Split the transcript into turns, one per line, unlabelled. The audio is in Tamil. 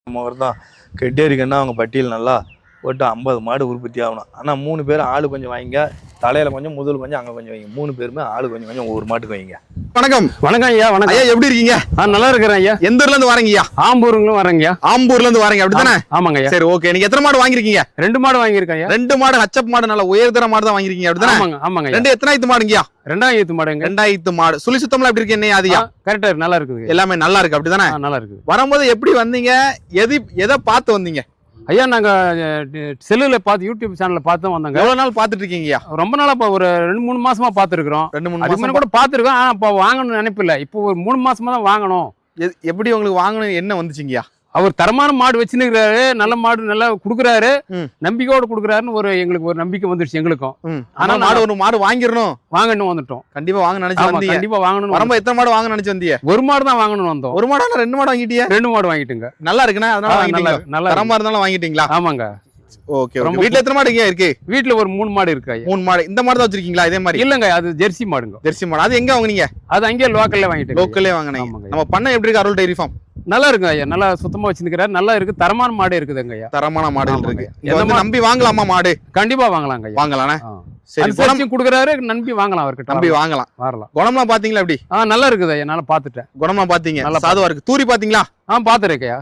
நம்ம தான் கெட்டேரிக்கன்னா அவங்க பட்டியல் நல்லா போட்டு 50 மாடு உற்பத்தி ஆகணும். ஆனால் 3 பேர் ஆளு கொஞ்சம் வாங்கிங்க, தலையில் கொஞ்சம் முதல் கொஞ்சம் அங்கே கொஞ்சம் வைங்க. 3 பேருமே ஆளு கொஞ்சம் கொஞ்சம் ஒவ்வொரு மாட்டுக்கு வைங்க.
வணக்கம்.
வணக்கம் ஐயா. வணக்கம்
ஐயா, எப்படி இருக்கீங்க?
நல்லா இருக்கிறேன் ஐயா.
எந்த ஊர்ல இருந்து வரீங்க ஐயா?
ஆம்பூருங்களும் வரேங்கய்யா.
ஆம்பூர்ல இருந்து வரீங்க அப்படித்தானே?
ஆமாங்க ஐயா.
சரி, ஓகே. நீங்க எத்தனை மாடு வாங்கிருக்கீங்க?
2 மாடு வாங்கியிருக்கேன் ஐயா.
2 மாடு ஹச்சப் மாடு, நல்ல உயர்தர மாடு தான் வாங்கிருக்கீங்க அப்படித்தானே?
ஆமாங்க ஆமாங்க.
2 எத்தனாயிரத்து மாடுங்கய்யா?
2000 மாடுங்க.
2000 மாடு. சுழி சுத்தம்லாம் எப்படி இருக்கு? என்ன அதியா?
கரெக்டா நல்லா இருக்குது.
எல்லாமே நல்லா இருக்கு அப்படித்தானே?
நல்லா இருக்குது.
வரும்போது எப்படி வந்தீங்க? எதை பார்த்து வந்தீங்க
ஐயா? நாங்க செல்லுல பார்த்து யூடியூப் சேனல்ல பார்த்து வந்தாங்க.
எவ்வளவு நாள் பார்த்துட்டு இருக்கீங்கய்யா?
ரொம்ப நாளா ஒரு 2-3 மாசமா பார்த்துருக்கோம்.
2-3
அதுக்கு
மாசம்
கூட பார்த்துருக்கோம். ஆனா இப்போ வாங்கணும்னு நினைப்பில்ல. இப்போ ஒரு 3 மாசமா தான் வாங்கணும்.
எப்படி உங்களுக்கு வாங்கணும் என்ன வந்துச்சுங்கய்யா?
அவர் தரமான மாடு வச்சுருக்கிறாரு, நல்ல மாடு நல்லா குடுக்குறாரு,
ம்.
நம்பிக்கையோடு குடுக்குறாருன்னு எங்களுக்கு ஒரு நம்பிக்கை வந்துருச்சு எங்களுக்கும்.
ஆனா ஒரு மாடு வாங்கிடணும்,
வாங்கணும் வந்துட்டோம்.
கண்டிப்பா வாங்க நினைச்சு வந்தீங்க.
கண்டிப்பா வாங்கணும்.
வரும்போது எத்தனை மாடு வாங்க நினைச்சு வந்தீங்க?
ஒரு மாடு தான் வாங்கணும் வந்தோம்.
ஒரு மாடா 2 மாடு வாங்கிட்டீங்க?
2 மாடு வாங்கிட்டுங்க.
நல்லா இருக்குண்ணா, அதனால வாங்கிட்டீங்களா?
நல்லா
தரமா இருந்தாலும் வாங்கிட்டீங்களா?
ஆமாங்க.
ஓகே. வீட்ல எத்தனை மாடு இருக்கு?
வீட்டுல ஒரு 3 மாடு இருக்கு ஐயா.
3 மாடு. இந்த மாடு தான் வச்சிருக்கீங்களா? இதே மாதிரி
இல்லங்க, அது ஜெர்சி மாடுங்க.
ஜெர்சி மாடு. அது எங்க வாங்குனீங்க?
அது அங்கேயே லோக்கல்ல வாங்கிட்டு.
லோக்கல்லே வாங்குனீங்க. நம்ம பண்ண எப்படி இருக்கு? அருள் டைரி ஃபார்ம்
நல்லா இருக்கு ஐயா. நல்லா சுத்தமா வச்சிருக்காரு. நல்லா இருக்கு. தரமான மாடு இருக்குதுங்க ஐயா.
தரமான மாடுகள் இருக்கு.
எந்த
நம்பி வாங்கலாமா மாடு?
கண்டிப்பா வாங்கலாங்க ஐயா.
வாங்கலானே. சரி,
குணம் குடுக்குறாரு, நம்பி வாங்கலாம். அவர்கிட்ட
நம்பி வாங்கலாம்.
வரலாம்.
குணம்லாம் பாத்தீங்களா? எப்படி
நல்லா இருக்குது ஐயா. நல்லா பாத்துட்டேன்.
குணம்லாம் பாத்தீங்க?
நல்லா
சாதுவா இருக்கு. தூரி பாத்தீங்களா?
பாத்துருக்கேன்.